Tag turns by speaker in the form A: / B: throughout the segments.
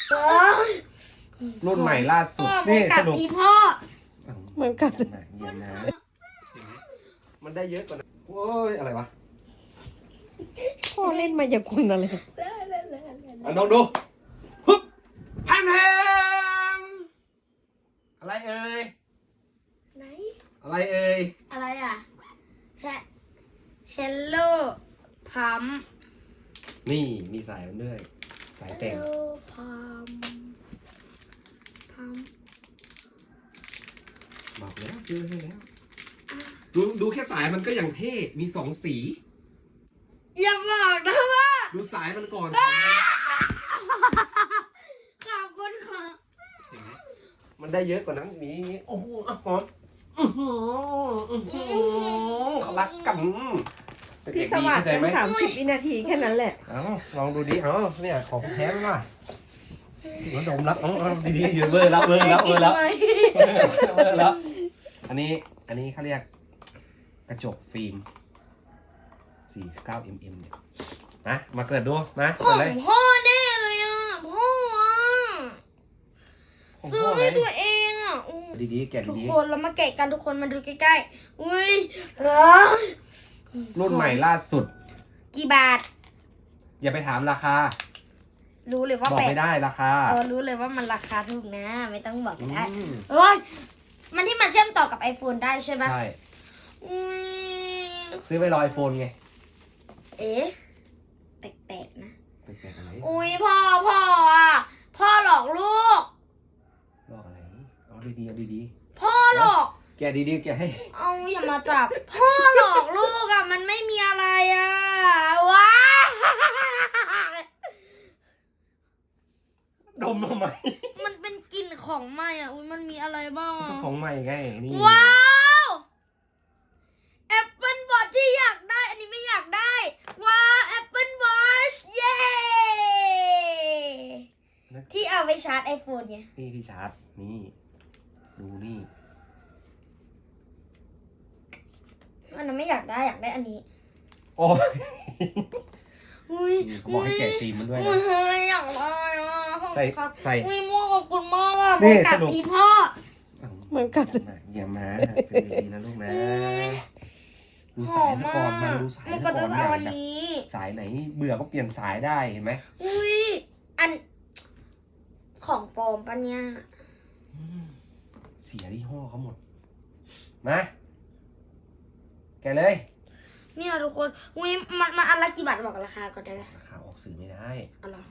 A: รุ่นใหม่ล่าสุด
B: นี่สรุปพ่อ
A: เหมือนกันเยี่ยมนะมันได้เยอะกว่านั้นโอ้ยอะไรวะ
C: พ่อเล่นมายากลอะไร
A: ลองดูฮึบแฮมอะไรเอ่ย
B: ไหน
A: อะไรเอ่ย
B: อะไรอ่ะHello พัม
A: นี่มีสายมันด้วยสายแต่ง
B: Hello พัม
A: บอกแล้วซื้อให้แล้วดูแค่สายมันก็อย่างเท่มีสองสี
B: อย่าบอกนะว่า
A: ดูสายมันก่อน
B: ขอบคุณค่ะ
A: เห็นไหมมันได้เยอะกว่านั้นมีโอ้โหหอมเขารักกัน
C: พี่สวัสดิ์เป็น30 วินาทีแค่นั้นแหละ
A: เอาลองดูดิเอาเนี่ยของแท้มาหัวดมรับเอาดีๆอยู่เบอร์รับอันนี้เขาเรียกกระจกฟิล์ม49 mm เนี่ยนะมาเปิดดูนะ
B: ของพ่อแน่เลยอ่ะพ่อซื้อให้ตัวเองอ่ะ
A: ดีๆแกะดีๆ
B: ทุกคนเรามาแกะกันทุกคนมาดูใกล้ๆอุ้ย
A: รุ่นใหม่ล่าสุด
B: กี่บาท
A: อย่าไปถามราคา
B: รู้เลยว่า
A: บอกไม่ได้ราคา
B: รู้เลยว่ามันราคาถูกนะไม่ต้องบอกก็ได้เอ้ยมันที่มันเชื่อมต่อกับ iPhone ได้ใช่ไหม
A: ใช่ซื้อไปรอ iPhone ไง
B: เอ๊ะแปลกๆนะ
A: แปลกๆอะไร
B: อุ้ยพ่ออ่ะพ่อหลอกลูก
A: หลอกอะไรเอาดีๆ
B: พ่อหลอก
A: แกะดีๆแกะให้
B: เอาอย่ามาจับพ่อหลอกลูกอ่ะมันไม่มีอะไรอ่ะว้า
A: ดมทำไม
B: มันเป็นกลิ่นของใหม่อ่ะอุ้ยมันมีอะไรบ้าง
A: ของใหม่ไงนี่
B: ว้าวแอปเปิลวอทที่อยากได้อันนี้ไม่อยากได้ว้าวแอปเปิลวอทเย้ที่เอาไปชาร์จ iPhone ไง
A: นี่ที่ชาร์จนี่ดูนี่
B: อันนั้นไม่อยากได้อยากได้อันนี้
A: โอ้
B: ย
A: เขาบอกให้แกะฟิล์มมันด้วยนะ
B: อยากได้
A: ใส่
B: อุ้ยมั่วขอบคุณมากอ่ะ
A: นี่
B: สรุปพ่อ
C: เหมือนกัน
A: อย่ามาเป็นดีนะลูกนะดูสายก่อนมาดูสายก่อนสายไหนเบื่อก็เปลี่ยนสายได้เห็นไหม
B: อุ้ยอันของปลอมปะเนี่ย
A: เสียยี่ห้อเขาหมดมาแกเลย
B: นี่นะทุกคนอุ้ยมันอันละกี่บาทบอกราคาก่อนได้ไหม
A: ราคาออกสื่อไม่ได้
B: อ๋อเหรอ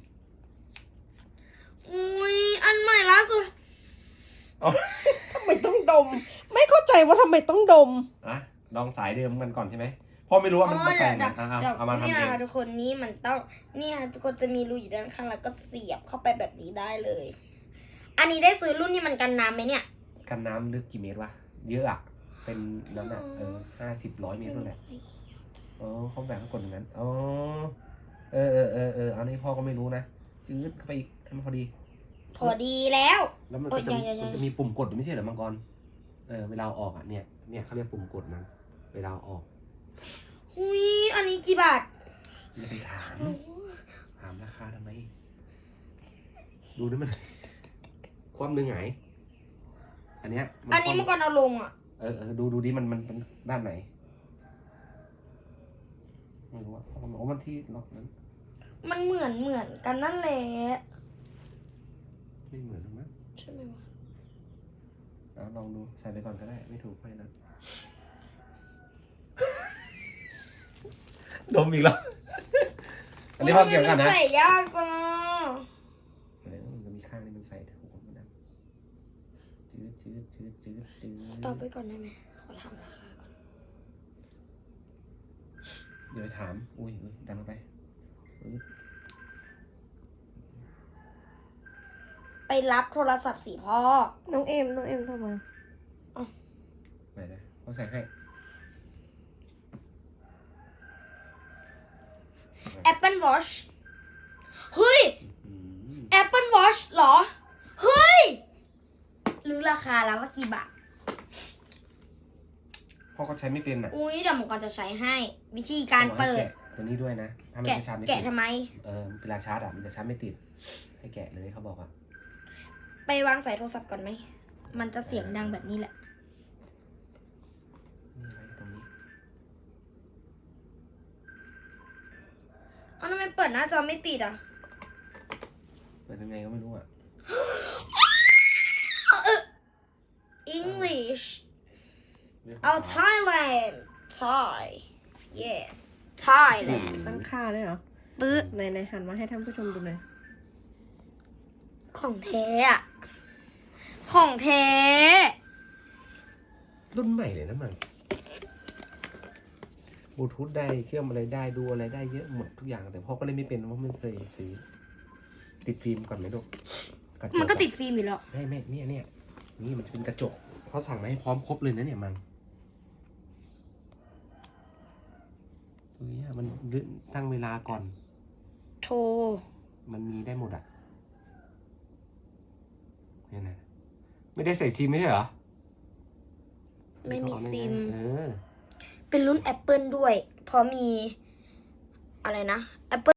B: อุ้ยอันใหม่ล่าสุด
C: ทำไมต้องดมไม่เข้าใจว่าทำไมต้องดม
A: ลองสายเดิมกันก่อนใช่ไหมพ่อไม่รู้ว่ามันใส่ไหนเอามาทำเอง
B: ทุกคนนี่มันต้องนี่ทุกคนจะมีรูอยู่ด้านข้างแล้วก็เสียบเข้าไปแบบนี้ได้เลยอันนี้ได้ซื้อรุ่นที่มันกันน้ำไหมเนี่ย
A: กันน้ำลึกกี่เมตรวะเยอะอ่ะเป็นน้ำหนัก50-100 เมตรเลยเขาแบ่งให้กดอย่างนั้นอันนี้พ่อก็ไม่รู้นะจืดเข้าไปอีกให้มันพอ
B: ดีแล้ว
A: มันจะมีปุ่มกดไม่ใช่เหรอมังกรเวลาออกอ่ะเนี่ยเขาเรียกปุ่มกดมันเวลาออก
B: อุ้ยอันนี้กี่บาท
A: อย่าไปถามราคาทำไมดูนี่มันความหนึ่งไงอันนี้
B: มังกรเอาลงอ่ะ
A: ดูดิมันด้านไหนไม่รู้ว่ามันที่ล็อกนั้น
B: มันเหมือนกันนั่นแหละ
A: ไม่เหมือนหรอกมั้ง
B: ใช่ไหมวะ
A: ลองดูใส่ไปก่อนก็ได้ไม่ถูกไปนั้นดมอีกแล้วอันนี้พ่อเกี่ยวกันนะ
B: ใส่ยากจัง
A: มันมีข้างนี่มันใส่ถูกหมดนะจืด
B: ต่อไปก่อนได้ไหมขอถามราคาก่อน
A: เดี๋ยวถามอุ้ยดันเข้า
B: ไปรับโทรศัพท์สิพ่อ
C: น้องเอ็มโทรมา
A: ไหนนะเขาใส่ให้
B: Apple Watch เฮ้ย Apple Watch เหรอเฮ้ยรู้ราคาแล้วว่ากี่บาท
A: พ่อก็ใช้ไม่เป็นอ่ะ
B: อุ้ยเดี๋ยวผมก็จะใช้ให้วิธีการเปิด
A: ตัวนี้ด้วยนะถ้าไม่ชาร์จไม่ติด
B: แกะทำไม
A: เวลาชาร์จอ่ะมันจะชาร์จไม่ติดให้แกะเลยเขาบอกอ่ะ
B: ไปวางสายโทรศัพท์ก่อนไหม มันจะเสียงดังแบบนี้แหละ
A: นี่ไว้ตรงนี้
B: เอาทำไมเปิดหน้าจอไม่ติดอ่ะ
A: เปิดยังไงก็ไม่รู้อ่ะ
B: English
A: เรื่อง
B: เอา Thailand Thai yes Thailand
C: ตั้งค่าด้วยเหรอ
B: ปึ๊บ
C: ไหนหันมาให้ท่านผู้ชมดูหน่อย
B: ของแท้อะของแท้
A: รุ่นใหม่เลยนะมันบลูทูธได้เชื่อมอะไรได้ดูอะไรได้เยอะหมดทุกอย่างแต่พ่อก็เล่นไม่เป็นเพราะไม่เคยซื้อติดฟิล์มก่อนไหมลูกระจ
B: มันก็ติดฟิล์มอยู่แล้ว
A: ไม่เนี่ยนี่มันจะเป็นกระจกเขาสั่งมาให้พร้อมครบเลยนะเนี่ยมันตัวนี้มันตั้งเวลาก่อน
B: โทร
A: มันมีได้หมดอ่ะเนี่ยนะไม่ได้ใส่ซิมไม่ใช่เหรอ
B: ไม่มีซิม
A: เออ
B: เป็นรุ่น Apple ด้วย เพราะมี อะไรนะ Apple